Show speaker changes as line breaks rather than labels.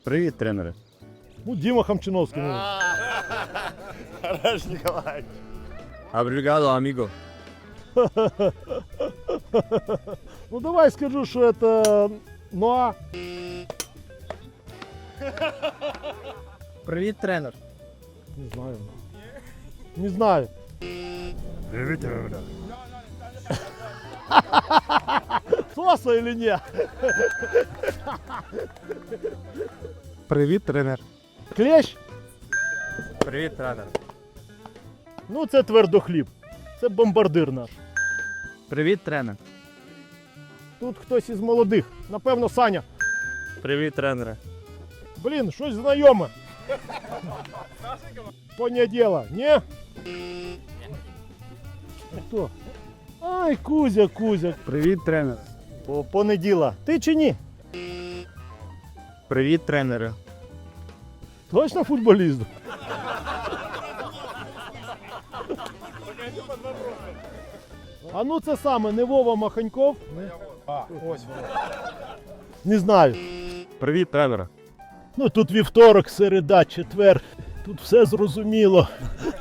Привіт, тренери.
Ну, Дима Хамчиновский.
Хорош, Николаевич.
Обригадо, аміго.
Ну, давай скажу, что это Ноа.
Привіт, тренер.
Не знаю. Не знаю. Соса или нет?
Привіт, тренер.
Клещ?
Привіт, тренер.
Ну, це твердохліб. Це бомбардир наш.
Привіт, тренер.
Тут хтось із молодих. Напевно, Саня.
Привіт, тренери.
Блін, щось знайоме. Поняття діло. Ні? Хто? Ай, Кузя, Кузя.
Привіт, тренер.
Понеділа. Ти чи ні?
Привіт, тренери.
Точно футболіст? А ну це саме, не Вова Маханьков?
Ось.
Не знаю.
Привіт, тренери.
Ну тут вівторок, середа, четвер. Тут все зрозуміло.